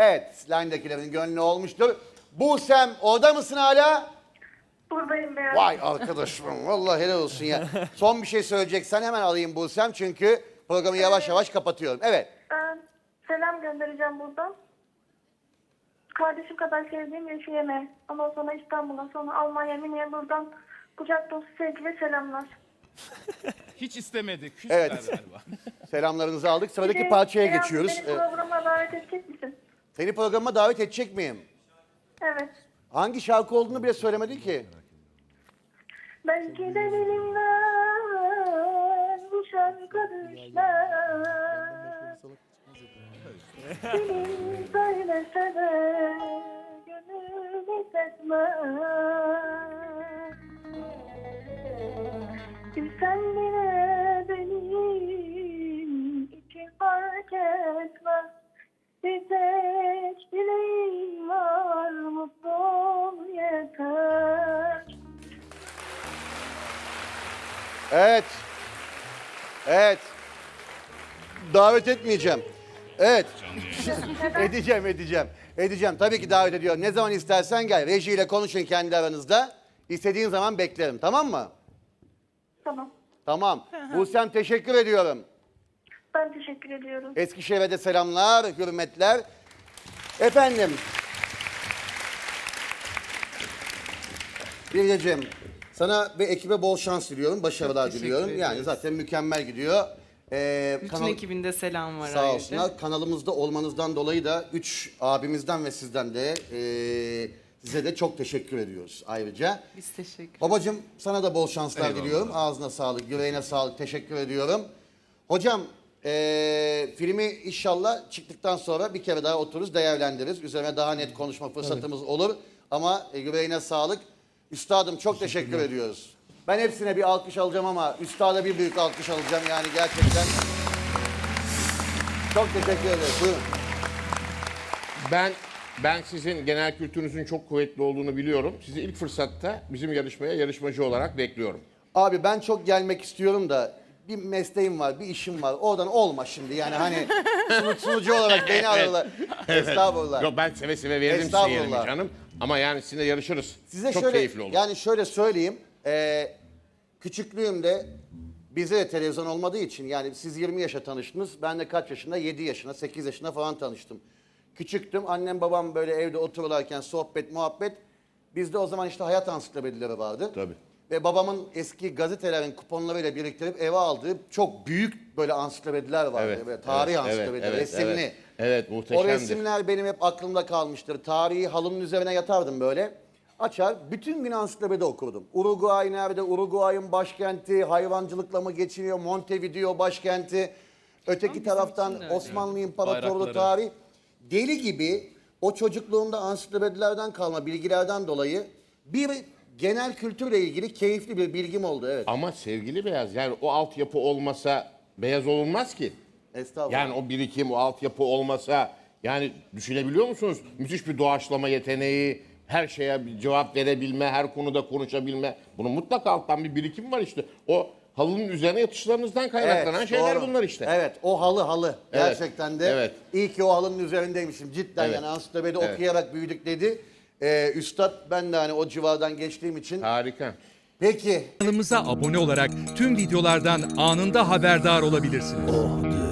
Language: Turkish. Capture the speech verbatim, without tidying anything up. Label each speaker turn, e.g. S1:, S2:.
S1: Evet, line'dakilerin gönlü olmuştur. Busem orada mısın hala?
S2: Buradayım ben.
S1: Vay arkadaşım, vallahi helal olsun ya. Son bir şey söyleyeceksen hemen alayım Busem çünkü programı yavaş yavaş kapatıyorum. Evet.
S2: Ben selam göndereceğim buradan. Kardeşim kadar sevdiğim Refiye'me. Ondan sonra İstanbul'a, sonra Almanya, Münih'e buradan kucak dolusu sevgi ve selamlar.
S3: Hiç istemedik. Küsler
S1: Evet.
S3: galiba.
S1: Selamlarınızı aldık. Sıradaki
S2: Bir de,
S1: parçaya
S2: Beyaz,
S1: geçiyoruz.
S2: Beni
S1: Ee,
S2: programa davet edecek misin?
S1: Seni programa davet edecek miyim?
S2: Evet.
S1: Hangi şarkı olduğunu bile söylemedin ki.
S2: Belki de dilimden bu şarkı düşler. Dilim söylese de gönül hissetmez. Bilsen bile benim için fark etmez. Bir tek dileğim var, mutlu ol yeter.
S1: Evet. Evet. Davet etmeyeceğim. Evet. edeceğim, edeceğim. Edeceğim. Tabii ki davet ediyorum. Ne zaman istersen gel. Rejiyle konuşun kendi aranızda. İstediğin zaman beklerim. Tamam mı?
S2: Tamam.
S1: Tamam. Busem teşekkür ediyorum.
S2: Ben teşekkür ediyorum.
S1: Eskişehir'e de selamlar, hürmetler. Efendim. Biricim, sana ve ekibe bol şans diliyorum, başarılar
S4: teşekkür
S1: diliyorum. Yani
S4: ederiz.
S1: zaten mükemmel gidiyor. Ee,
S4: Bütün
S1: kanal-
S4: ekibinde selam var
S1: Sağ
S4: ayrıca.
S1: olsunlar. Kanalımızda olmanızdan dolayı da üç abimizden ve sizden de ee, size de çok teşekkür ediyoruz ayrıca.
S4: Biz teşekkür
S1: Babacığım sana da bol şanslar
S3: Eyvallah.
S1: diliyorum. Ağzına sağlık, yüreğine sağlık. Teşekkür ediyorum. Hocam eee, filmi inşallah çıktıktan sonra bir kere daha otururuz, değerlendiririz. Üzerine daha net konuşma fırsatımız olur. Ama e, yüreğine sağlık. Üstadım çok teşekkür ediyoruz. Ben hepsine bir alkış alacağım ama üstada bir büyük alkış alacağım yani gerçekten. Çok teşekkür ederiz. Buyurun.
S5: Ben ben sizin genel kültürünüzün çok kuvvetli olduğunu biliyorum. Sizi ilk fırsatta bizim yarışmaya yarışmacı olarak bekliyorum.
S1: Abi ben çok gelmek istiyorum da bir mesleğim var, bir işim var. Oradan olma şimdi yani hani sunu- sunucu olarak beni ararlar. Estağfurullah.
S5: Yok ben seve seve veririm size
S1: Estağfurullah.
S5: yerimi canım. Ama yani sizinle yarışırız.
S1: Size
S5: çok
S1: şöyle,
S5: keyifli olur.
S1: yani şöyle söyleyeyim. eee, küçüklüğümde bize de televizyon olmadığı için yani siz yirmi yaşa tanıştınız. Ben de kaç yaşında? yedi yaşına, sekiz yaşında falan tanıştım. Küçüktüm. Annem babam böyle evde otururlarken sohbet, muhabbet. Bizde o zaman işte hayat ansiklopedileri vardı.
S5: Tabii.
S1: Ve babamın eski gazetelerin kuponlarıyla biriktirip eve aldığı çok büyük böyle ansiklopediler vardı.
S5: Evet,
S1: Böyle tarih
S5: evet,
S1: ansiklopedileri,
S5: evet,
S1: resimli.
S5: evet. Evet,
S1: O
S5: muhteşemdir.
S1: resimler benim hep aklımda kalmıştır. Tarihi halının üzerine yatardım böyle. Açar, bütün gün ansiklopedi okurdum. Uruguay nerede? Uruguay'ın başkenti, hayvancılıkla mı geçiniyor? Montevideo başkenti. Öteki
S4: bizim
S1: taraftan
S4: için de öyle.
S1: Osmanlı İmparatorluğu
S3: Bayrakları.
S1: tarih. Deli gibi o çocukluğumda ansiklopedilerden kalma bilgilerden dolayı bir genel kültürle ilgili keyifli bir bilgim oldu. Evet.
S5: Ama sevgili Beyaz yani o altyapı olmasa beyaz olunmaz ki.
S1: Estağfurullah.
S5: Yani o birikim, o altyapı olmasa yani düşünebiliyor musunuz? Müthiş bir doğaçlama yeteneği, her şeye bir cevap verebilme, her konuda konuşabilme. Bunun mutlaka alttan bir birikim var işte. O halının üzerine yatışlarınızdan kaynaklanan
S1: Evet,
S5: şeyler
S1: doğru.
S5: bunlar işte.
S1: Evet, o halı halı.
S5: Evet,
S1: Gerçekten de
S5: evet.
S1: iyi ki o halının üzerindeymişim. Cidden
S5: Evet,
S1: yani ansiklopedi
S5: evet.
S1: okuyarak büyüdük dedi. Ee, Üstad ben de hani o civardan geçtiğim için.
S5: Harika.
S1: Peki.
S6: Kanalımıza abone olarak tüm videolardan anında haberdar olabilirsiniz.